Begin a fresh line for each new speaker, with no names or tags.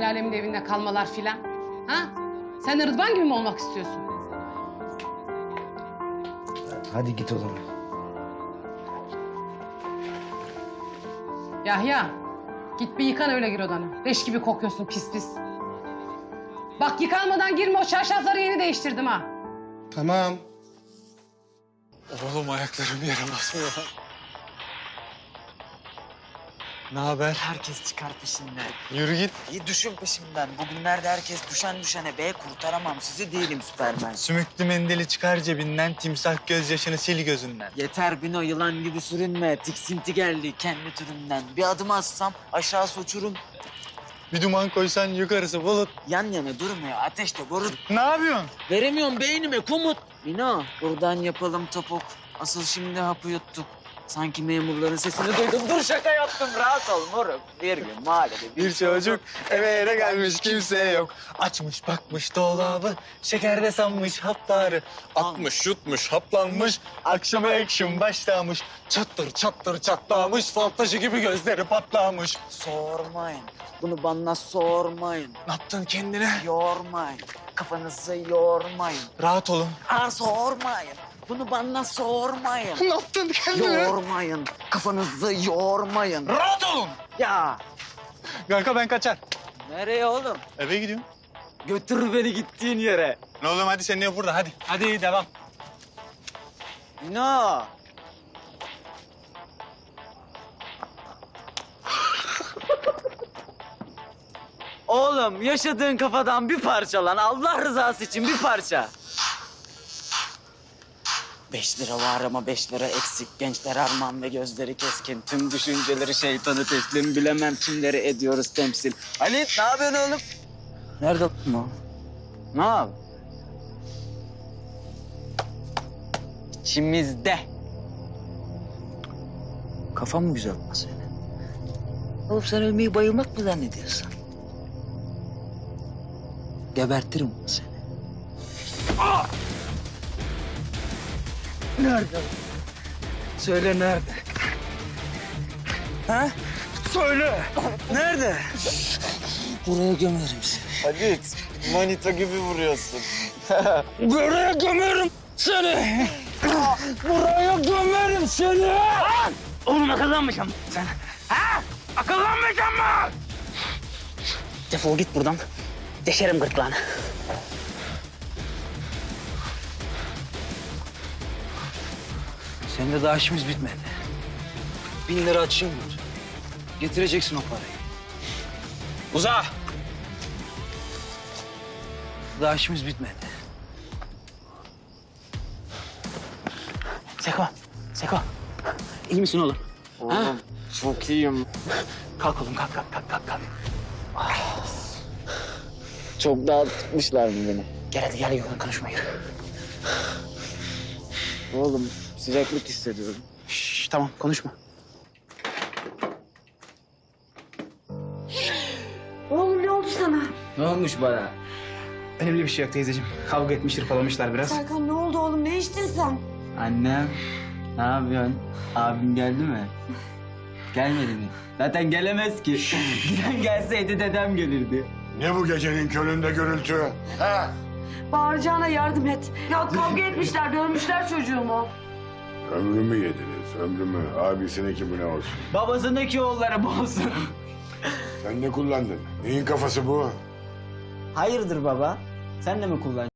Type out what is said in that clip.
alemin evinde kalmalar filan? Ha? Sen de Rıdvan gibi mi olmak istiyorsun?
Hadi git o zaman.
Yahya, git bir yıkan öyle gir odana. Leş gibi kokuyorsun pis pis. Bak yıkanmadan girme, o çarşafları yeni değiştirdim ha.
Tamam.
Oğlum ayaklarım yere basmıyor. Ne haber?
Herkes çıkar peşinden.
Yürü git.
İyi düşün peşimden. Bugünlerde herkes düşen düşene be kurtaramam sizi değilim Süpermen.
Sümüklü mendili çıkar cebinden, timsah gözyaşını sil gözünden.
Yeter Bino yılan gibi sürünme. Tiksinti geldi kendi türünden. Bir adım atsam aşağısı uçurum.
Bir duman koysan yukarısı bulut.
Yan yana durmuyor ateşte borut.
Ne yapıyorsun?
Veremiyorum beynime komut. Bino buradan yapalım topuk. Asıl şimdi hapı yuttuk. Sanki memurların sesini duydum. Dur şaka yaptım rahat ol moruk. Bir gün mahallede
Bir çocuk eve gelmiş kimse yok. Açmış bakmış dolabı, şekerde sanmış hapları. Atmış yutmuş haplanmış, akşama action başlamış. Çattır çattır çatlamış, fal taşı gibi gözleri patlamış.
sormayın. Bunu bana sormayın.
Ne yaptın kendine?
Yormayın. Kafanızı yormayın.
Rahat olun.
Sormayın. Bunu bana sormayın.
Ne yaptın kendine?
Yormayın. Kafanızı yormayın.
Rahat olun.
Ya
Kanka ben kaçar.
nereye oğlum?
Eve gidiyorum.
Götür beni gittiğin yere.
Ne oğlum hadi sen ne burada hadi. Hadi devam.
No. Oğlum yaşadığın kafadan bir parça lan. Allah rızası için bir parça. 5 lira var ama 5 lira eksik. Gençler armağan ve gözleri keskin. Tüm düşünceleri şeytanı teslim. Bilemem kimleri ediyoruz temsil. Halit ne yapıyorsun oğlum? Nerede o? Ne yap? İçimizde. Kafam mı güzel lan senin? Oğlum sen ölmeyi bayılmak mı zannediyorsun? Gebertirim seni. Nerede? Söyle nerede? Ha? Söyle. Nerede? Buraya gömerim seni.
Halit manita gibi vuruyorsun.
Buraya gömerim seni. Buraya gömerim seni. Oğlum akıllanmayacağım sen. Ha? Akıllanmayacağım mı? Defol git buradan. Deşerim gırtlağını.
Senin de daha işimiz bitmedi. 1000 lira açayım mı? Getireceksin o parayı. Uza! Daha işimiz bitmedi.
Seko, Seko. İyi misin oğlum?
Oğlum çok iyiyim.
Kalk oğlum, kalk. Çok dağıtmışlar mı beni? Gel hadi gel yoğun konuşma yürü. Oğlum sıcaklık hissediyorum.
Şş, tamam konuşma.
Oğlum ne oldu sana?
Ne olmuş bana? Önemli bir şey yok teyzeciğim. Kavga etmiş, hırpalamışlar biraz.
Serkan ne oldu oğlum? Ne içtin sen?
Annem, ne yapıyorsun? Abim geldi mi? Gelmedi mi? Zaten gelemez ki. Giden gelseydi dedem gelirdi.
Ne bu gecenin köründe gürültü? Ha?
Bağıracağına yardım et. Ya kavga etmişler, dövmüşler çocuğumu.
Ömrümü yediniz, ömrümü. Abisininki bu ne olsun?
Babasındaki oğulları bozsun.
Sen ne kullandın? Neyin kafası bu?
Hayırdır baba? Sen de mi kullan?